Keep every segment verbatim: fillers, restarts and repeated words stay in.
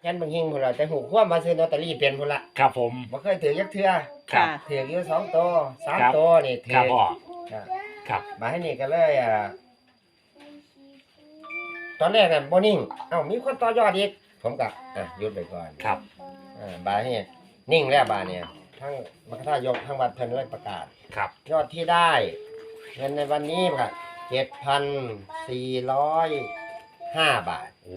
แค่นบางหิงพุ่นล่ะแต่หูความมาซื้อลอตเตอรี่เป็นพุ่นล่ะครับผมบ่เคยถือจักเทื่อครับถืออยู่สองตัวสามตัวนี่ถืครับอพ่อครับครับมาให้นี่ก็เลยอ่าตอนแรกน่ะบ่นิ่งเอ้ามีคนต่อยอดอีกผมก็อ่ะหยุดไปก่อนครับอ่าบาดนี้นิ่งแล้วบาดเนี่ยทั้งมรรคทายกทั้งวัดเพิ่นเลยประกาศครับยอดที่ได้เงินในวันนี้ก็เจ็ดพันสี่ร้อยห้าบาทโอ้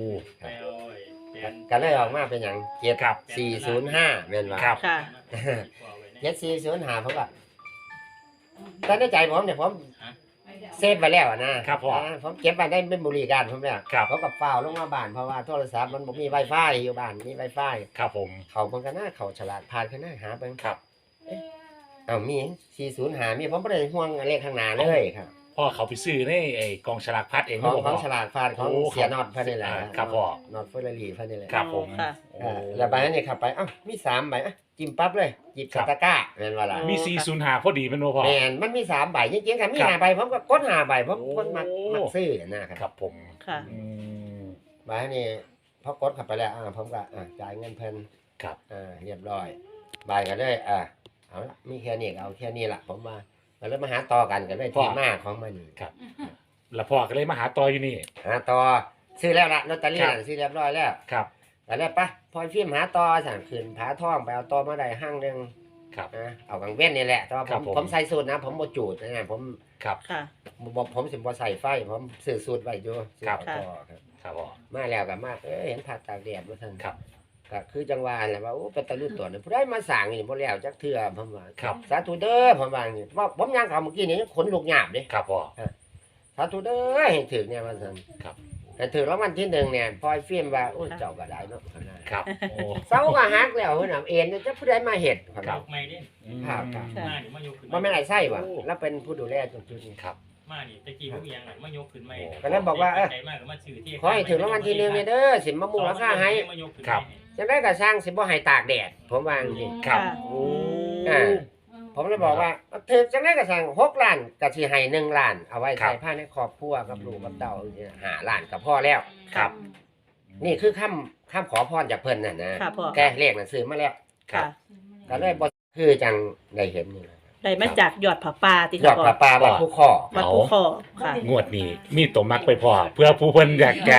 ก็เลยออกมาเป็นอย่างเจ็ดครับสี่ศูนย์ห้าแม่นว่าครับค่ะเจ็ดสี่ศูนย์ห้าผมก็แต่ในใจผมเนี่ยผมเซฟไปแล้วนะครับพ่ออ่าผมเก็บไปได้เป็นบริการผมแล้วครับผมกับฝ้าวลงมาบ้านเพราะว่าโทรศัพท์มันบ่มี Wi-Fi อยู่บ้านมี Wi-Fi ครับผมเขาเบิ่งกันหน้าเขาฉลาดผ่านกันหน้าหาเบิ่งครับเอ้ามีสี่ศูนย์ห้ามีผมบ่ได้ห่วงเลขข้างหน้าเลยครับพ่อเขาไปซื้อในไอ้กองฉลากพัดเองของนะขพ่องอฉลาดผ่านของโอ้เสียนอดเพิ่นนี่แหละอ่าครับพ่อนอดเฟอร์รารี่เพิ่นนี่แหละครับผมค่ะโอ้อ่าแล้วใบนั้นนี่ขับไปเอ้ามีสามใบอ่ะจิ้มปั๊บเลยหยิบครัใส่บตะกร้าแม่นว่าล่ะมีสี่ศูนย์ห้าพอดีเป็นบ่พ่อแม่นมันมีสามใบจริงๆค่ะมีครับห้าใบผมก็กดห้าใบผมโอ้คนมักมักซื้อนะครับครับผมค่ะอืมใบนี้พอกดเข้าไปแล้วอ่าผมก็อ่าจ่ายเงินเพิ่นครับอ่าเรียบร้อยใบก็เลยอ่าเอาละมีแค่นี้ก็เอาแค่นี้ล่ะผมว่าก็เลยมาหาต่อกันกันเลยที่มาของมันนี่ครับ แล้วพ่อก็เลยมาหาต่ออยู่นี่หาต่อซื้อแล้วล่ะลอตเตอรี่ครับน่ะซื้อเรียบร้อยแล้วครับแล้วเนี่ยปะพอฟิล์มหาต่อสั่งขึ้นผาท่องไปเอาต่อมาได้ห้างหนึงครับนะเอากังเว้นนี่แหละแต่ว่าคผรับมผมผมใส่สูตรนะ ผมบ่จูดนะผมครับค่ะบ่ผมสิบ่ใส่ไฟ ผมซื้อสูตรไว้อยู่ซื้อครับเอาต่อครับครับพ่อมาแล้วก็มาเอ้ยเห็นผักตากแดดว่าซั่นครับก็คือจังหวะแหละว่าโอ้เป็นตะลุตัวนี่ผู้ใดมาสร้างนี่บ่แล้วจักเทื่อผมว่าครับสาธุเด้อผมว่าอย่างนี้ว่าผมย่างเข้าเมื่อกี้นี่ขนลุกหยาบเด้ครับพ่อสาธุเด้อให้ถึงเนี่ยว่าซั่นครับแต่ถึงรางวัลที่หนึ่งเนี่ยพอไอ้ฟิล์มว่าโอ้ยเจ้าก็ได้เนาะครับโอ้เสาก็หักแล้วเพิ่นน่ะเอ็นจะผู้ใดมาเฮ็ดครับไม่ได้อืมครับครับมานี่มายกขึ้นบ่แม่นไอ้ไส้บ่โอ้แล้วเป็นผู้ดูแลตรงจุดนี้ครับมานี่ตะกี้พวกยังน่ะมายกขึ้นไม่ก็เลยบอกว่าเอ้ยใจมากก็มาซื้อที่ขอให้ถึงรางวัลที่หนึ่งเนี่ยเด้อสิมามุงราคาให้มายกขึ้นครับจังได๋ก็สร้างสิบ่ให้ตากแดดผมว่าจังซี่ครับค่ะโอ้อ่า ผมเลยบอกว่าถึงจังได๋ก็สร้างหกล้านก็สิให้หนึ่งล้าน เอาไว้ครัใช้บภายในครอบครัวกับลูกกับเต้าเนี่ยห้าล้านก็พอแล้วครับนี่คือคำคำขอพรจากเพิ่นน่ะนะค่ะพ่อแต่เลขน่ะซื้อมาแล้วครับก็เลยบ่คือจังได้เห็นนี่แหละได้มาจากยอดผาป่าที่ยอดพ่อปลาปลาบัดผู้คอวัดภูคอค่ะงวดนี้มีตัวมักไปพอเพื่อผู้เพิ่นอยากจะ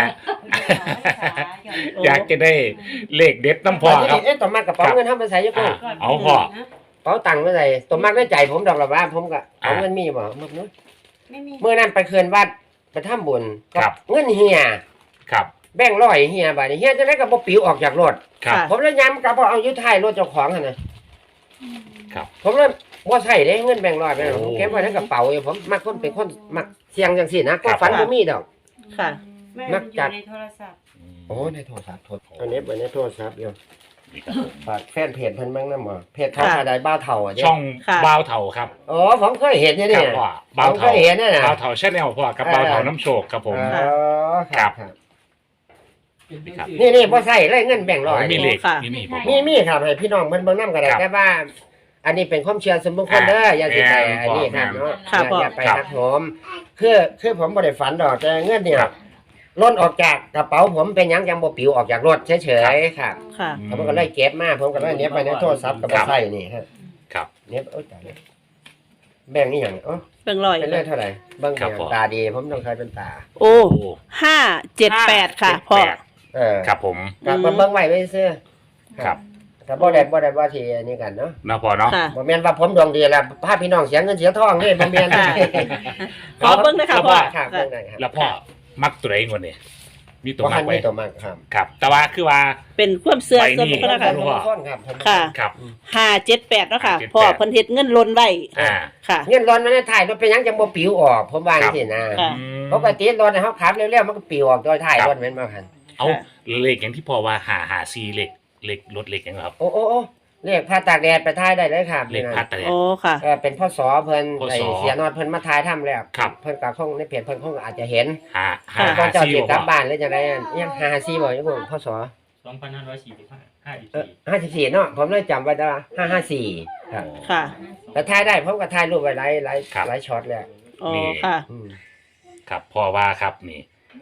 อยากจะได้เลขเด็ดน้ำพอครับเอ๊ะต่อมากระเป๋าเงินเฮามาใส่อยู่อ่ากูเอาพอเป๋าตังค์มาใส่ต่อมากในใจผมดอกละว่าผมก็เอาอ่าเงินมีบ่มักเนาะไม่มีเมื่อนั้นไปเขื่อนวัดไปทำบุญครับเงินเฮียครับแบ่งค์ร้อยเฮียบาดนี้เฮียจังได๋ก็บ่ปิวออกจากรถครับค่ะผมเลยย้ำกลับว่าเอาอยู่ท้ายรถเจ้าของหั่นน่ะครับผมเลยบ่ใช้เด้เงินแบ่งค์ร้อยไปโอ้ผมเก็บไว้ในกระเป๋าอยู่ผมมักคนเป็นคนมักเสี่ยงจังซี่นะก็ครับฝันบ่มีดอกค่ะไม่มัมันกอจัยู่ดในโทรศัพท์โอ้ในโทรศัพท์โทรอันนี้ไว้ในโทรศัพท์อยู่นี่ครับผมฝากแฟนเพจเพิ่นบ้างนำบ่เพจเขาค่ะชาไดบ้าวเฒ่าอ่ะเด้ช่องค่ะบ่าวเถาครับอ๋อผมเคยเห็นอยู่คเนี่รัยบพ่อผบ่าวมเคเถายเห็นน่ะนะบ่าวเถาชาแนลพ่อกับบ่าวเถาน้ำโชคครับผมอ๋อคครัรับบ ครับครับนี่นี่บ่ใส่เลยเงินแบ่งค์ร้อยมีเลขค่ะมีนี่ผมมีมีครับให้พี่น้องเพิ่นเบิ่งนำก็ได้ครับแต่ว่า อันนี้เป็นความเชื่อส่วนบุคคลเด้ออย่าสิไปแม่นอันนี้ครับเนาะครับอย่าอย่าไปครับทักผมคือคือผมบ่ได้ฝันดอกแต่เงินเนี่ยครับล้นออกจากกระเป๋าผมเป็นหยังยังบ่ปลิวออกจากรถเฉยๆครับค่ะผมก็เลยเก็บมาผมก็เลยเน็บไปในโทรศัพท์ก็บ่ใส่นี่ฮะครับเน็บโอ๊ยตายแล้วแบ่งนี่หยังอ๋อเบิ่งลอยเป็นเลขเท่าไหร่เบิ่งครับอย่างผมตาดีผมต้องใช้เป็นตาโอ้โอ้ห้าเจ็ดแปดค่ะ พ่อเจ็ดแปดเออครับผมกลับอืมาม เบิ่งไว้ไว้ซื่อครับแต่บ่ได้บ่ได้ว่าที่อันนี้กันเนาะนะพ่อเนาะค่ะบ่แม่นว่าผมดวงดีแล้วพาพี่น้องเสียเงินเสียทองนี่บ่แม่นค่ะ ขอเบิ่งนะคะพ่อครับเบิ่งได้ครับแล้วพ่อมักตัวไหนงวดนี้มีตัวบ่มัคักนไว้มีตัวมักครับครับ แต่ว่าคือว่าเป็นความเสื่อใบส่วนนี้บุคคลนะคะรู้ผมว่าเป็นคนครับผมค่ะครับห้าเจ็ดแปดเนาะค่ะห้าเจ็ดแปดพ่อเพิ่นเฮ็ดเงินหล่นไว้อ่าค่ะเงินร้อนมันในถ่ายรถเป็นหยังจังบ่ปลิวออกผมว่าจังซี่นะค่ะอืมปกติรถเฮาขับเร็วๆมันก็ปลิวออกโดยถ่ายรถแม่นบ่คั่นเอาเลขอย่างที่พ่อว่าหาหาซีเลขเลขรถเลขอย่างครับโอ้โอ้โอ้เลขพาตากแดดไปถ่ายได้เลยครับเลขพัดอะไรโอ้ค่ะเออเป็นพ่อสอเพิ่นพ่อไอ้สอเสียนอดเพิ่นมาถ่ายทำแล้วครับเพิ่นก็คงในเพจเพิ่นคงอาจจะเห็นหาหาก่อหานเจ้าซีสิบ่กลับพ่อบ้านหรือจังได๋ยังหาซีบ่อยู่บ่พ่อสอสองพันห้าร้อยสี่สิบห้าห้าสิบเออสี่ห้าสิบสี่เนาะผมเลยจำไว้ได้ว่าห้าห้าสี่ครับค่ะแต่ถ่ายได้ผมก็ถ่ายรูปไว้หลายหลายครับหลายช็อตแล้วโอ้ค่ะอืมครับพ่อว่าครับนี่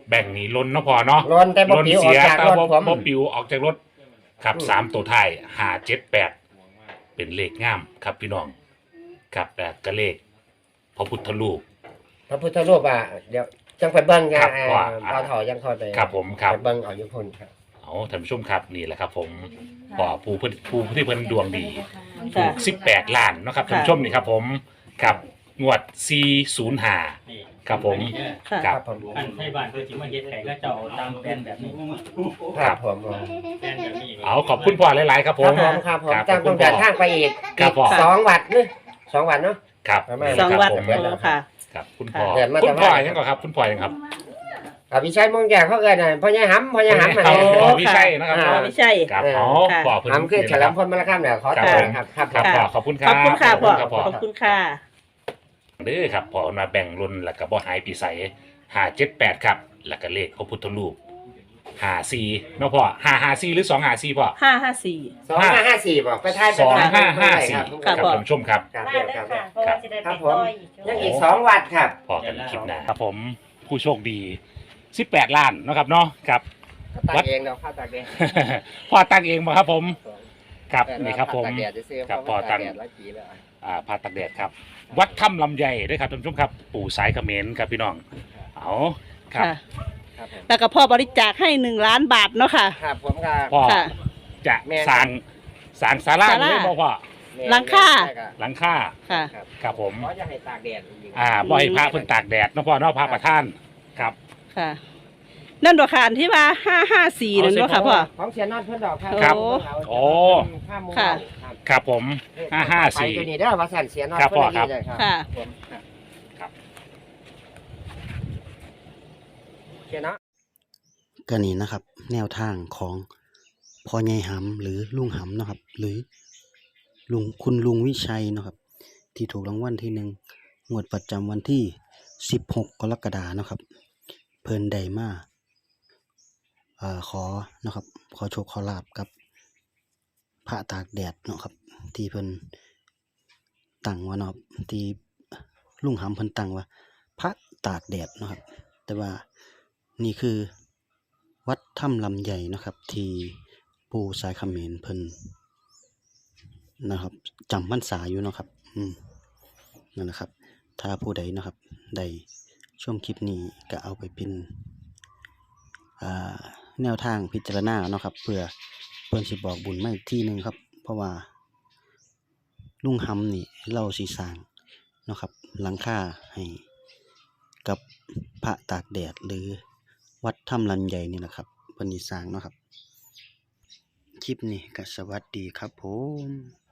แบ่งนี้ล้นเนาะพอเนาะล้นแต่บ่ล้นปิวอเสีอกยจากแต่รถบ่ผมบ่ปิวออกจากรถครับอืมสามตัวท้ายห้าเจ็ดแปดเป็นเลขงามครับพี่น้องครับแต่ก็เลขพระพุทธรูปพระพุทธรูปอ่ะเดี๋ยวจังไปเบิ่งกัครันบอ่าว่าพอถอยังคอยไปครับผมครับไปเบิ่งเอาอยู่พุ่นครับเอาท่านผู้ชมครับนี่แหละครับ ผมพอผู้เพิ่นผู้ที่เพิ่นดวงดีถูค่ะกสิบแปดล้านเนาะครับท่านผู้ชมนี่ครับผมครับงวดสี่ศูนย์ห้านี่ครับผมอันนี้เนี่ยค่ะครับผมอันให้บ้านเพื่อที่มาเฮ็ดไข่ก็จะเอาตามแผนแบบนี้ครับผมแผนแบบนี้เอาขอบคุณพ่อหลายๆครับคผรับมผมครับผมครับจังต้องเดินทางไปอีกครับอีกผมสองวัดเนอะสองวัดเนาะครับประมาณสองวัดครับผมเดือนโอ้ละค่ะครับคุณพ่อเดือนมาคุณพ่อแต่ว่ายังก่อนครับ คุณพ่อยังครับอ่าพี่ชัยมงแก่เขาเอิ้นน่ะพ่อใหญ่หำพ่อใหญ่หำมาเอาเนี่ยเอาวิชัยนะครับอ่าไม่ใช่ครับเออเอาค่ะพ่อเพิ่นหำคือเฉลิมพลมรคำเนี่ยขอครับตาผมครับครับครับพ่อขอบคุณคขรัอบบคุณค่ะพ่อครับพ่อขอบคุณค่ะเด้อครับพ่อมาแบ่งรุ่นแล้วก็บ่หายปีใสห้าเจ็ดแปดครับแล้วก็เลขพระพุทธรูปห้าสี่เนาะพ่อห้าห้าสี่หรือสองห้าสี่พ่อห้าห้าสี่สองห้าห้าสี่บอกไปทายไปสองทายห้าห้าสี่ครับครับพ่อท่านผู้ชมครับครับมาเดี๋ยวเด้คอรับค่ะเพราะว่าจะได้ไปต่ออีกยังอีกสองวัดครับพอกันคลิปหน้าครับผมผู้โชคดีสิบแปดล้านเนาะครับเนาะครับตักเองเนาะข้าวตักเองพ่อตั้งเองมาครับผมครับนี่ครับผมตักแดดจะซื้อครับเพราะว่าพอตั้งตากแดดแล้วจีแล้วอ่าพาตักแดดครับ วัดถ้ำลำไยด้วยครับท่านผู้ชมครับ ปู่สายเขมรครับพี่น้องเอาครับค่ะครับผมแล้วก็พ่อบริจาคให้หนึ่งล้านบาทเนาะค่ะครับผมก็พ่อค่ะจะแม่นสร้างสร้างศาลาศาลาหรือเปล่าพ่อหลังคาใช่รับหลังคาค่ะครับครับผมเพราะจะให้ตากแดดจริงๆอ่าบ่ให้พระเพิ่นตากแดดเนาะพ่อเนาะพระประธานครับค่ะ นั่นดอกค่ะอันที่ว่าห้าห้าสี่นั่นดอกค่ะพ่อของเสียนอนเพิ่นดอกครับครับโอ้ข้ามมุมค่ะครับครับผมห้าห้าสี่ไปตัวนี้เด้อว่าสั่นเสียนอนครับพ่อครับเพิ่นได้เลยครับค่ะผมครับครับเสียเนาะก็นี่นะครับ แนวทางของพ่อใหญ่หำหรือลุงหำเนาะครับ หรือลุงคุณลุงวิชัยเนาะครับ ที่ถูกรางวัลที่หนึ่งงวดประจำวันที่สิบหกกรกฎาเนาะครับ เพิ่นได้มาเอ่อขอเนาะครับ ขอโชคขอลาบกับพระตากแดดเนาะครับ ที่เพิ่นตั้งไว่าเนาะครับที่ลุงหำเพิ่นตั้งว่า พระตากแดดเนาะครับ แต่ว่านี่คือ วัดถ้ำลำใหญ่นะครับ ที่ปู่สายเขมรเพิ่นนะครับจำพรรษาอยู่เนาะครับ อืมนั่นนะครับ ถ้าผู้ใดนะครับได้ชมคลิปนี้ก็เอาไปเป็นอ่าแนวทางพิจารณาเนาะครับ เพื่อเพิ่นสิบอกบุญมาอีกที่หนึ่งครับ เพราะว่า ลุงหำนี่เล่าสีสร้างเนาะครับ หลังคาให้กับพระตากแดดหรือ วัดถ้ำลันใหญ่นี่แหละครับเพิ่นสิสร้างเนาะครับ คลิปนี้ก็สวัสดีครับผม